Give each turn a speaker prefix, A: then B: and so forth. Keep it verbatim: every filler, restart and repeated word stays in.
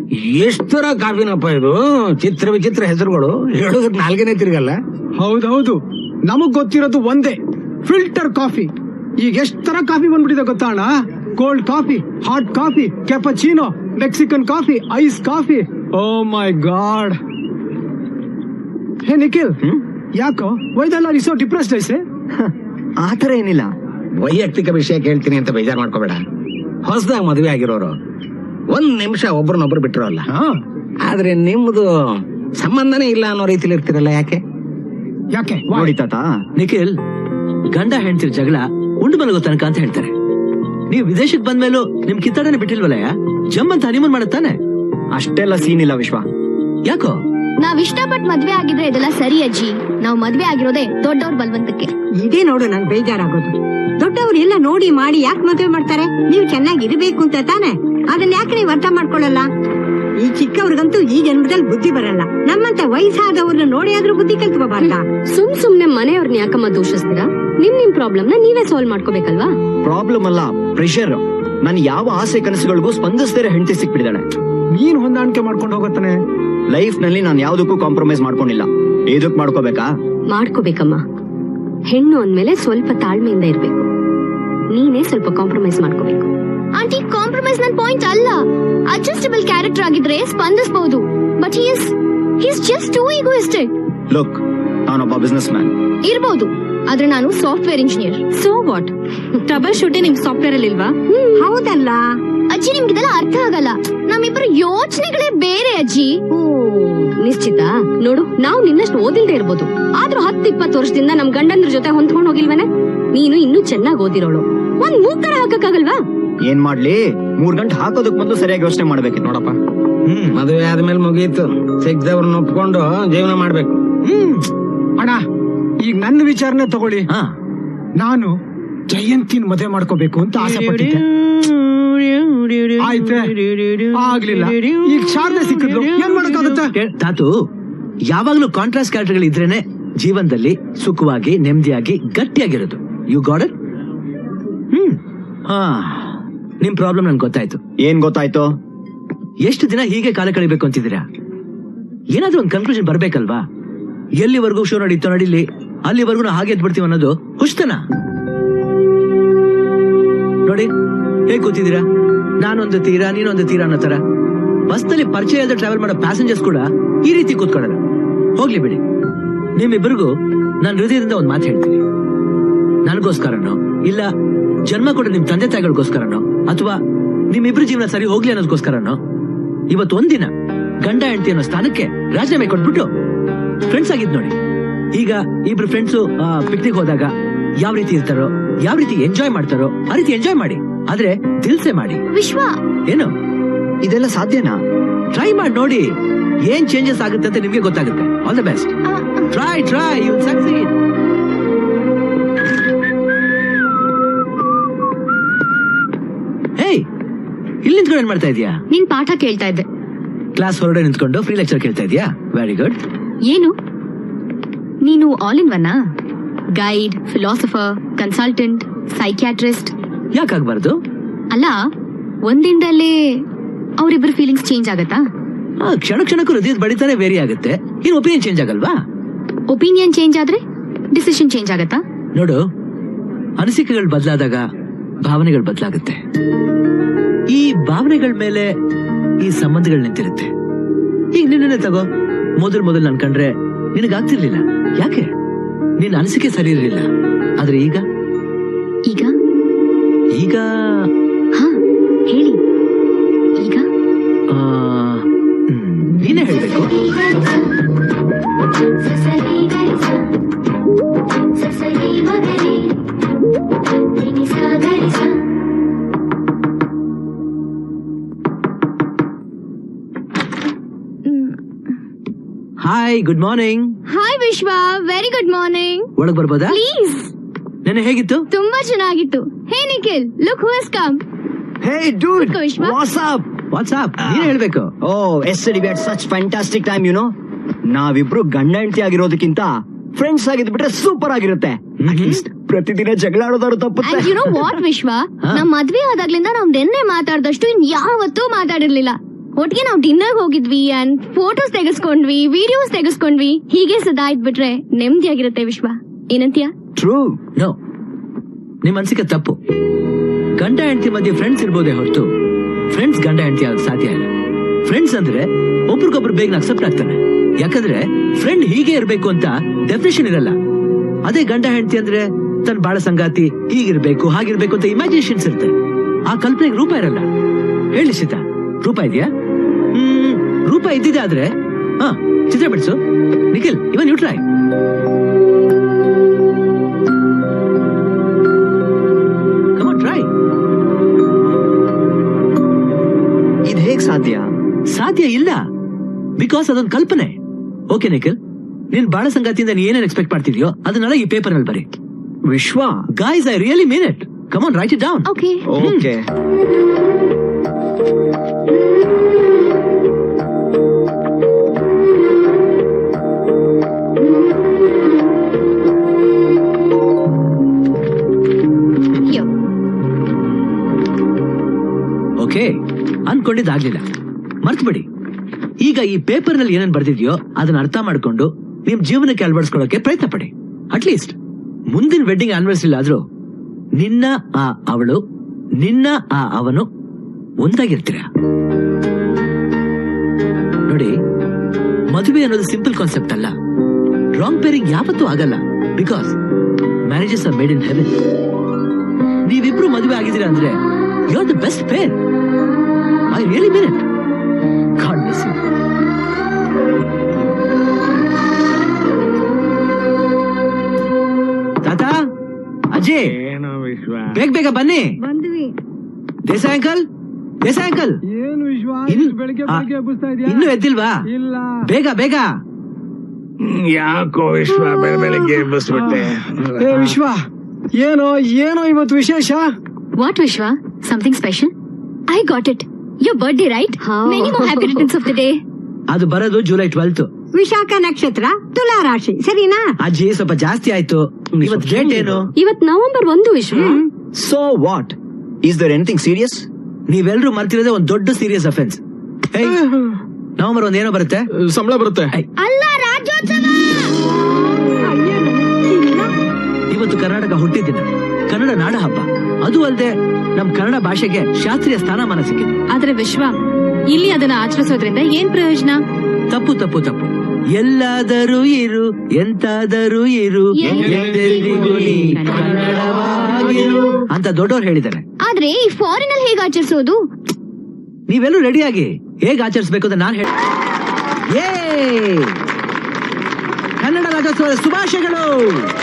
A: ಎಷ್ಟ್ ತರ ಕಾಫಿನಪ್ಪ ಇದು, ಚಿತ್ರ ವಿಚಿತ್ರ ಹೆಸರುಗಳು, ಹೇಳೋದಕ್ಕೆ ನಾಲ್ಕನೇ ತಿರ್ಗಲ್ಲ.
B: ಹೌದೌದು, ನಮಗ್ ಗೊತ್ತಿರೋದು ಒಂದೇ, ಫಿಲ್ಟರ್ ಕಾಫಿ. ಈಗ ಎಷ್ಟ್ ತರ ಕಾಫಿ ಬಂದ್ಬಿಟ್ಟಿದೆ ಗೊತ್ತಾ ಅಣ್ಣ? Cold coffee, hot coffee, cappuccino, Mexican coffee, ice coffee. Oh my god. Hey Nikhil, ಯಾಕೋ ವೈದಲ್ಲ ರಿಸೋ ಡಿಪ್ರೆಸ್ಡ್ ಐಸೆ?
C: ಆತರ ಏನಿಲ್ಲ,
A: ವೈಯಕ್ತಿಕ ವಿಷಯ ಕೇಳ್ತೀನಿ ಅಂತ ಬೇಜಾರ್ ಮಾಡ್ಕೋಬೇಡ. ಹೊಸದಾಗ ಮದುವೆ ಆಗಿರೋರು ಒಂದ್ ನಿಮಿಷ ಒಬ್ರನ್ನೊಬ್ರು ಬಿಟ್ಟಿರೋಲ್ಲ, ಆದ್ರೆ ನಿಮ್ದು ಸಂಬಂಧನೇ ಇಲ್ಲ ಅನ್ನೋ ರೀತಿಲಿ ಇರ್ತಿರಲ್ಲ, ಯಾಕೆ?
B: ಯಾಕೆ
C: ನೋಡಿ ತಾತ,
D: ನಿಖಿಲ್, ಗಂಡ ಹೆಂಡ್ತಿರ್ ಜಗಳ ಉಂಡು ಮಲಗೋ ತನಕ ಅಂತ ಹೇಳ್ತಾರೆ. ನೀವು ವಿದೇಶಕ್ಕೆ ಬಂದ್ಮೇಲೂ ನಿಮ್ ಕಿತ್ತಾಡನೆ ಬಿಟ್ಟಿಲ್ವಲ್ಲಯ್ಯ? ಜಮ್ ಅಂತ ಹನಿಮೂನ್ ಮಾಡುತ್ತಾನೆ.
C: ಅಷ್ಟೆಲ್ಲ ಸೀನ್ ಇಲ್ಲ ವಿಶ್ವ.
D: ಯಾಕೋ?
E: ನಾವ್ ಇಷ್ಟಪಟ್ಟು ಮದ್ವೆ ಆಗಿದ್ರೆ ಇದೆಲ್ಲ ಸರಿ ಅಜ್ಜಿ. ನಾವ್ ಮದ್ವೆ ಆಗಿರೋದೇ ದೊಡ್ಡವ್ರ ಬಲ್ವಂತಕ್ಕೆ.
F: ಇದೇ ನೋಡು ನನ್ ಬೇಜಾರಾಗೋದು. ದೊಡ್ಡವ್ರು ಎಲ್ಲ ನೋಡಿ ಮಾಡಿ ಯಾಕೆ ಮದುವೆ ಮಾಡ್ತಾರೆ? ನೀವು ಚೆನ್ನಾಗಿರ್ಬೇಕು ಅಂತ ತಾನೆ. ಅದನ್ನ ಯಾಕೆ ನೀವು ಅರ್ಥ ಮಾಡ್ಕೊಳ್ಳಲ್ಲ? ಈ ಚಿಕ್ಕವ್ರಿಗಂತೂ ಈ ಜನ್ಮದಲ್ಲಿ ಬುದ್ಧಿ ಬರಲ್ಲ. ನಮ್ಮಂತ ವಯಸ್ಸಾದವ್ರನ್ನ ನೋಡಿ ಆದ್ರೂ ಬುದ್ಧಿ ಕಲ್ತ್ಕೋಬಾರ್ದ?
E: ಸುಮ್ ಸುಮ್ನೆ ಮನೆಯವ್ರನ್ನ ಯಾಕಮ್ಮ ದೂಷಿಸ್ತೀರಾ? ನಿಮ್ ನಿಮ್ ಪ್ರಾಬ್ಲಮ್ ನ ನೀವೇ ಸಾಲ್ವ್ ಮಾಡ್ಕೋಬೇಕಲ್ವಾ?
C: ಪ್ರಾಬ್ಲಮ್ ಅಲ್ಲ, ಪ್ರೆಷರ್. ನನ್ ಯಾವ ಆಸೆ ಕನಸುಗಳಿಗೂ ಸ್ಪಂದಿಸದೇ ಹೆಂಡತಿ ಸಿಕ್ಬಿಡಿದಾಳೆ.
B: ನೀನ್ ಹೊಂದಾಣಿಕೆ ಮಾಡ್ಕೊಂಡು ಹೋಗತ್ತಾನೆ.
C: ಲೈಫ್ ನಲ್ಲಿ ನಾನು ಯಾವ್ದಕ್ಕೂ ಕಾಂಪ್ರಮೈಸ್ ಮಾಡ್ಕೊಂಡಿಲ್ಲ. ಇದಕ್ ಮಾಡ್ಕೋಬೇಕಾ?
E: ಮಾಡ್ಕೋಬೇಕಮ್ಮ. ಹೆಣ್ಣು ಅಂದ್ಮೇಲೆ ಸ್ವಲ್ಪ ತಾಳ್ಮೆಯಿಂದ ಇರ್ಬೇಕು. ನೀನೇ ಸ್ವಲ್ಪ ಕಾಂಪ್ರಮೈಸ್ ಮಾಡ್ಕೋಬೇಕು. ಆಂಟಿ, ಕಾಂಪ್ರಮೈಸ್ ನನ್ ಪಾಯಿಂಟ್ ಅಲ್ಲ. ಅಡ್ಜಸ್ಟಬಲ್ ಕ್ಯಾರೆಕ್ಟರ್ ಆಗಿದ್ರೆ ಸ್ಪಂದಿಸಬಹುದು. But he is he is just too egoistic.
C: Look, ನಾನೊಬ್ಬ ಬಿಸ್ನೆಸ್ ಮ್ಯಾನ್
E: ಇರ್ಬೋದು, ಆದ್ರೆ ನಾನು software engineer. So what? Trouble shooting ನಿಮ್ ಸಾಫ್ಟ್ವೇರ್ ಅಲ್ಲಿ ಇಲ್ವಾ?
F: ಹೌದಲ್ಲ
E: ಅಜ್ಜಿ, ನಿಮ್ಗಿದೆಲ್ಲ ಅರ್ಥ ಆಗಲ್ಲ. ನಮ್ಮಿಬ್ಬರು ಯೋಚನೆಗಳೇ ಬೇರೆ ಅಜ್ಜಿ. ನಿಶ್ಚಿತ ನೋಡು, ನಾವು ನಿನ್ನಷ್ಟು ಓದಿಲ್ದೇ ಇರ್ಬೋದು, ಆದ್ರೂ ಹತ್ತು ಇಪ್ಪತ್ತು ವರ್ಷದಿಂದ ನಮ್ ಗಂಡಂದ್ರ ಜೊತೆ ಹೊಂದ್ಕೊಂಡ್ ಹೋಗಿಲ್ವೇನೆ? ನೀನು ಇನ್ನೂ ಚೆನ್ನಾಗಿ ಓದಿರೋಳು, ಒಂದ್ ಮೂಕರ ಹಾಕಕ್ಕಾಗಲ್ವಾ?
C: ಏನ್ ಮಾಡ್ಲಿ, ಮೂರ್ ಗಂಟೆ ಹಾಕೋದಕ್ ಮೊದಲು ಸರಿಯಾಗಿ ಯೋಚನೆ ಮಾಡ್ಬೇಕಿತ್ತು ನೋಡಪ್ಪ.
A: ಹ್ಮ್ ಮದುವೆ ಆದ್ಮೇಲೆ ಮುಗೀತು, ಸಿಕ್ದವ್ರನ್ನ ಒಪ್ಕೊಂಡು ಜೀವನ ಮಾಡ್ಬೇಕು.
B: ಹ್ಮ್ ಅಣ್ಣ, ಈಗ ನನ್ನ ವಿಚಾರನೆ ತಗೊಳ್ಳಿ.
D: ಹಾ,
B: ನಾನು ಜಯಂತಿನ ಮದುವೆ ಮಾಡ್ಕೋಬೇಕು ಅಂತ ಆಸೆ ಪಟ್ಟಿದ್ದೆ. ಆಯ್ತೆ, ಆಗ್ಲಿಲ್ಲ. ಈಗ ಶಾರದೆ ಸಿಕ್ಕಿದ್ಲು, ಏನ್ ಮಾಡಕ್ಕಾಗುತ್ತೆ?
D: ತಾತು, ಯಾವಾಗ್ಲೂ ಕಾಂಟ್ರಾಸ್ಟ್ ಕ್ಯಾರೆಕ್ಟರ್ಗಳು ಇದ್ರೇನೆ ಜೀವನದಲ್ಲಿ ಸುಖವಾಗಿ ನೆಮ್ಮದಿಯಾಗಿ ಗಟ್ಟಿಯಾಗಿರೋದು. You got it? ಹ್ಮ್ ಹಾ, ನಿಮ್ ಪ್ರಾಬ್ಲಮ್ ನನ್ಗೆ ಗೊತ್ತಾಯ್ತು.
C: ಏನ್ ಗೊತ್ತಾಯ್ತು?
D: ಎಷ್ಟು ದಿನ ಹೀಗೆ ಕಾಲ ಕಳಿಬೇಕು ಅಂತಿದ್ದೀರಾ? ಏನಾದ್ರೂ ಒಂದು ಕನ್ಕ್ಲೂಷನ್ ಬರ್ಬೇಕಲ್ವಾ? ಎಲ್ಲಿವರೆಗೂ ಶೋ ನಡೀತೋ ನಡೀಲಿ, ಅಲ್ಲಿವರೆಗೂ ಹಾಗೆ ಎದ್ಬಿಡ್ತೀವಿ ಅನ್ನೋದು ಹುಷ್ಟನ? ನೋಡಿ ಹೇಗ್ ಕೂತಿದ್ದೀರಾ, ನಾನೊಂದು ತೀರಾ ನೀನೊಂದು ತೀರಾ ಅನ್ನೋ ತರ. ಬಸ್ನಲ್ಲಿ ಪರಿಚಯ ಇಲ್ಲದೆ ಟ್ರಾವೆಲ್ ಮಾಡೋ ಪ್ಯಾಸೆಂಜರ್ಸ್ ಕೂಡ ಈ ರೀತಿ ಕೂತ್ಕೊಳ್ಳಲ್ಲ. ಹೋಗ್ಲಿ ಬಿಡಿ, ನಿಮ್ಮಿಬ್ಬರಿಗೂ ನಾನು ಹೃದಯದಿಂದ ಒಂದ್ ಮಾತು ಹೇಳ್ತೀನಿ. ನನಗೋಸ್ಕರನೋ ಇಲ್ಲ ಜನ್ಮ ಕೊಡ ನಿಮ್ ತಂದೆ ತಾಯಿಗಳಿಗೋಸ್ಕರನೋ ಅಥವಾ ನಿಮ್ಮಿಬ್ರು ಜೀವನ ಸರಿ ಹೋಗ್ಲಿ ಅನ್ನೋದಕ್ಕೋಸ್ಕರನೋ ಇವತ್ತು ಒಂದಿನ ಗಂಡ ಹೆಂಡತಿ ಅನ್ನೋ ಸ್ಥಾನಕ್ಕೆ ರಾಜೀನಾಮೆ ಕೊಟ್ಬಿಟ್ಟು ಫ್ರೆಂಡ್ಸ್ ಆಗಿದ್ ನೋಡಿ. ಈಗ ಇಬ್ರು ಫ್ರೆಂಡ್ಸ್ ಪಿಕ್ನಿಕ್ ಹೋದಾಗ ಯಾವ ರೀತಿ ಇರ್ತಾರೋ, ಯಾವ ರೀತಿ ಎಂಜಾಯ್ ಮಾಡ್ತಾರೋ ಆ ರೀತಿ ಎಂಜಾಯ್ ಮಾಡಿ, ಆದ್ರೆ ದಿಲ್ಸೆ ಮಾಡಿ.
E: ವಿಶ್ವ,
D: ಏನು
C: ಇದೆಲ್ಲ ಸಾಧ್ಯನಾ?
D: ಟ್ರೈ ಮಾಡಿ ನೋಡಿ, ಏನ್ ಚೇಂಜಸ್ ಆಗುತ್ತೆ ಅಂತ ನಿಮ್ಗೆ ಗೊತ್ತಾಗುತ್ತೆ. All the best. Try try you succeed. Hey, ಇಲ್ಲಿ ನಿಂತ್ಕೊಂಡು ಏನ್ ಮಾಡ್ತಾ ಇದೀಯಾ?
E: ನಿನ್ ಪಾಠ ಕೇಳ್ತಾ ಇದ್ದೆ.
D: ಕ್ಲಾಸ್ ಹೊರಗಡೆ ನಿಂತ್ಕೊಂಡು ಫ್ರೀ ಲೆಕ್ಚರ್ ಕೇಳ್ತಾ ಇದೀಯಾ? Very good.
E: ಏನು ನೀನು all in one? Guide, philosopher, consultant, psychiatrist?
D: ಯಾಕಾಗ್ಬಾರ್ದು?
E: ಅಲ್ಲ, ಒಂದಿಂದಲೇ ಅವರಿಬ್ಬರ ಫೀಲಿಂಗ್ಸ್ ಚೇಂಜ್ ಆಗತ್ತಾ?
D: ಕ್ಷಣ ಕ್ಷಣಕ್ಕೂ ಹೃದಯದ ಬಡಿತಾನೆ ವೇರಿ ಆಗುತ್ತೆ. ಇನ್ ಒಪಿನಿಯನ್ ಚೇಂಜ್ ಆಗಲ್ವಾ?
E: ಒಪಿನಿಯನ್ ಚೇಂಜ್ ಆದ್ರೆ ಡಿಸಿಷನ್ ಚೇಂಜ್ ಆಗತ್ತಾ?
D: ನೋಡು, ಅನಿಸಿಕೆಗಳು ಬದಲಾದಾಗ ಭಾವನೆಗಳು ಬದಲಾಗುತ್ತೆ. ಈ ಭಾವನೆಗಳ ಮೇಲೆ ಈ ಸಂಬಂಧಗಳು ನಿಂತಿರುತ್ತೆ. ಈಗ ನಿನ್ನೆ ತಗೋ, ಮೊದಲ್ ಮೊದಲ್ ನನ್ ಕಂಡ್ರೆ ನಿನಗಾಗ್ತಿರ್ಲಿಲ್ಲ. ಯಾಕೆ? ನಿನ್ನ ಅನಿಸಿಕೆ ಸರಿ ಇರಲಿಲ್ಲ. ಆದ್ರೆ ಈಗ
E: ಈಗ
D: ಈಗ
E: ಹಾ ಹೇಳಿ. ಈಗ
D: ನೀನೇ ಹೇಳ್ಬೇಕು. Hi, good morning.
E: Hi Vishwa, very good morning.
D: ಒಳಗ್ ಬರ್ಬೋದಾ
E: ಪ್ಲೀಸ್?
D: ನೆನೆ ಹೇಗಿತ್ತು?
E: ತುಂಬಾ ಚೆನ್ನಾಗಿತ್ತು. ಹೇ Nikhil, look who has come.
C: Hey dude,
E: Vishwa,
C: what's up?
D: What's up? ನೀನೇ ಹೇಳ್ಬೇಕು.
C: Oh, yesterday we had such fantastic time, you know. ನಾವಿಬ್ರು ಗಂಡ ಹೆಂಡತಿ ಆಗಿರೋದಕ್ಕಿಂತ ಫ್ರೆಂಡ್ಸ್ ಆಗಿದ್ಬಿಟ್ರೆ ಸೂಪರ್ ಆಗಿರುತ್ತೆ. ಅಟ್ಲೀಸ್ಟ್ ಪ್ರತಿದಿನ ಜಗಳ ಆಡೋದಾದ್ರು ತಪ್ಪುತ್ತೆ.
E: ಯು ನೋ ವಾಟ್ ವಿಶ್ವ, ನಮ್ ಮದ್ವೆ ಆದಾಗ್ಲಿಂದ ನಾವ್ ನೆನ್ನೆ ಮಾತಾಡ್ದಷ್ಟು ಇನ್ ಯಾವತ್ತೂ ಮಾತಾಡಿರ್ಲಿಲ್ಲ. ಒಟ್ಟಿಗೆ ನಾವು ಡಿನ್ನರ್ ಹೋಗಿದ್ವಿ ಅಂಡ್ ಫೋಟೋಸ್ ತೆಗೆಸ್ಕೊಂಡ್ವಿ ವಿಡಿಯೋಸ್ ತೆಗೆಸ್ಕೊಂಡ್ವಿ ಹೀಗೆ ಸದಾ ಇದ್ಬಿಟ್ರೆ ನೆಮ್ಮದಿಯಾಗಿರುತ್ತೆ ವಿಶ್ವ. ಏನಂತೀಯ?
C: ಟ್ರೂ.
D: ನೋ, ನಿಮ್ ಅನ್ಸಿಕೆ ತಪ್ಪು. ಗಂಡ ಹೆಂಡತಿ ಮಧ್ಯೆ ಫ್ರೆಂಡ್ಸ್ ಇರ್ಬೋದೇ ಹೊರತು ಫ್ರೆಂಡ್ಸ್ ಗಂಡ ಹೆಂಡತಿ ಆಗ ಸಾಧ್ಯ ಇಲ್ಲ. ಫ್ರೆಂಡ್ಸ್ ಅಂದ್ರೆ ಒಬ್ರಿಗೊಬ್ರು ಬೇಗ ಅಕ್ಸೆಪ್ಟ್ ಆಗ್ತಾರೆ. ಯಾಕಂದ್ರೆ ಫ್ರೆಂಡ್ ಹೀಗೆ ಇರ್ಬೇಕು ಅಂತ ಡೆಫಿನೇಷನ್ ಇರಲ್ಲ. ಅದೇ ಗಂಡ ಹೆಂಡತಿ ಅಂದ್ರೆ ತನ್ನ ಬಾಳ ಸಂಗಾತಿ ಹೀಗಿರ್ಬೇಕು ಹಾಗಿರ್ಬೇಕು ಅಂತ ಇಮ್ಯಾಜಿನೇಷನ್ಸ್ ಇರುತ್ತೆ. ಆ ಕಲ್ಪನೆಗೆ ರೂಪ ಇರಲ್ಲ. ಹೇಳಿ ಸೀತಾ, ರೂಪ ಇದೆಯಾ? ಹ್ಮ್, ರೂಪ ಇದ್ದಿದೆ ಆದ್ರೆ ಹಾ ಚಿತ್ರ ಬಿಡಿಸು. Nikhil, even you try. Come on, try.
C: ಇದ್ ಹೇಗ್ ಸಾಧ್ಯ?
D: ಸಾಧ್ಯ ಇಲ್ಲ, ಬಿಕಾಸ್ ಅದೊಂದು ಕಲ್ಪನೆ. ಓಕೆ ನಿಖಿಲ್, ನೀನ್ ಬಾಳ ಸಂಗಾತಿಯಿಂದ ನೀ ಏನೇನ್ ಎಕ್ಸ್ಪೆಕ್ಟ್ ಮಾಡ್ತಿದ್ಯೋ ಅದನ್ನೆಲ್ಲ ಈ ಪೇಪರ್ ನಲ್ಲಿ ಬರಿ.
C: Vishwa,
D: guys, I really mean it. Come on, write it down.
E: Okay.
C: Okay.
D: Okay, ಅನ್ಕೊಂಡಿದ್ದಾಗ್ಲಿಲ್ಲ, ಮರ್ತ್ಬಿಡಿ. ಈಗ ಈ ಪೇಪರ್ ನಲ್ಲಿ ಏನೇನ್ ಬರ್ದಿದ್ಯೋ ಅದನ್ನ ಅರ್ಥ ಮಾಡ್ಕೊಂಡು ನಿಮ್ ಜೀವನಕ್ಕೆ ಅಳವಡಿಸ್ಕೊಳ್ಳೋಕೆ ಪ್ರಯತ್ನ ಪಡಿ. ಅಟ್ಲೀಸ್ಟ್ ಮುಂದಿನ ವೆಡ್ಡಿಂಗ್ ಆನಿವರ್ಸರಿ ಆದ್ರೂ ನಿನ್ನ ಆ ಅವಳು, ನಿನ್ನ ಆ ಅವನು ಒಂದಾಗಿರ್ತೀರ. ನೋಡಿ, ಮದುವೆ ಅನ್ನೋದು ಸಿಂಪಲ್ ಕಾನ್ಸೆಪ್ಟ್ ಅಲ್ಲ. ರಾಂಗ್ ಪೇರಿಂಗ್ ಯಾವತ್ತೂ ಆಗಲ್ಲ. Because marriages are made in heaven. ನೀವಿಬ್ರು ಮದುವೆ ಆಗಿದ್ದೀರಾ ಅಂದ್ರೆ you are the best pair. I really mean it. God bless you. ತಾತ, ಅಜಯ್,
A: ಏನೋ ವಿಶ್ವ,
D: ಬೇಗ ಬೇಗ ಬನ್ನಿ.
F: ಬಂದ್ವಿ.
D: ದೇಸಾಯಿ ಅಂಕಲ್, ದೇಸಾಯಿ ಅಂಕಲ್,
B: ಏನು ವಿಶ್ವ,
D: ಇನ್ನು-
B: ಇಷ್ಟು ಬೆಳಿಗ್ಗೆ
D: ಆ,
B: ಬೆಳಿಗ್ಗೆ ಎಬ್ಬಿಸ್ತಾ ಇದೀಯಾ?
D: ಇನ್ನೂ ಎದ್ದಿಲ್ವಾ?
B: ಇಲ್ಲ.
D: ಬೇಗ ಬೇಗ.
A: ಹ್ಮ್, ಯಾಕೋ ವಿಶ್ವ ಬೆಳ ಬೆಳಗ್ಗೆ ಎಬ್ಬಿಸ್ಬಿಟ್ಟೆ.
B: ಏ ವಿಶ್ವ, ಏನೋ ಏನೋ ಇವತ್ತು ವಿಶೇಷ?
E: What Vishwa? Something special? I got it. Your birthday right? Many more happy returns of the day.
D: ಅದು ಬರೋದು ಜುಲೈ ಟ್ವೆಲ್ತ್.
F: ವಿಶಾಖ ನಕ್ಷತ್ರ, ತುಲಾ ರಾಶಿ, ಸರಿನಾ?
D: ಅಜ್ಜಿ, ಸ್ವಲ್ಪ ಜಾಸ್ತಿ ಆಯ್ತು. ಇವತ್ತು ಡೇಟ್ ಏನು?
E: ಇವತ್ ನವೆಂಬರ್ ಒಂದು Vishwa.
C: So what? Is there anything serious?
D: ನೀವೆಲ್ಲರೂ ಮರ್ತಿರೋದೇ ಒಂದ್ ದೊಡ್ಡ ಸೀರಿಯಸ್ ಅಫೆನ್ಸ್. ನವೆಂಬರ್ ಒಂದ್ ಏನೋ ಬರುತ್ತೆ,
A: ಸಂಬಳ ಬರುತ್ತೆ.
E: ಅಲ್ಲ, ರಾಜ್ಯೋತ್ಸವ.
D: ಇವತ್ತು ಕರ್ನಾಟಕ ಹುಟ್ಟಿದ್ದಿನ, ಕನ್ನಡ ನಾಡ ಹಬ್ಬ. ಅದು ಅಲ್ಲದೆ ನಮ್ ಕನ್ನಡ ಭಾಷೆಗೆ ಶಾಸ್ತ್ರೀಯ ಸ್ಥಾನಮಾನ ಸಿಕ್ಕಿದೆ.
E: ಆದ್ರೆ ವಿಶ್ವ, ಇಲ್ಲಿ ಅದನ್ನ ಆಚರಿಸೋದ್ರಿಂದ ಏನ್ ಪ್ರಯೋಜನ?
D: ತಪ್ಪು ತಪ್ಪು ತಪ್ಪು. ಎಲ್ಲಾದರೂ ಇರು, ಎಂತಾದರೂ ಇರು, ಎಂದೆಂದಿಗೂ ನೀ ಕನ್ನಡವಾಗಿರು ಅಂತ ದೊಡ್ಡವ್ರು ಹೇಳಿದ್ದಾರೆ.
E: ಆದ್ರೆ ಈ ಫಾರಿನ್ ಅಲ್ಲಿ ಹೇಗೆ ಆಚರಿಸೋದು?
D: ನೀವೆಲ್ಲೂ ರೆಡಿ ಆಗಿ ಹೇಗ್ ಆಚರಿಸಬೇಕು ಅಂತ ನಾನು ಹೇಳಿ. ಕನ್ನಡ ರಾಜ್ಯೋತ್ಸವದ ಶುಭಾಶಯಗಳು.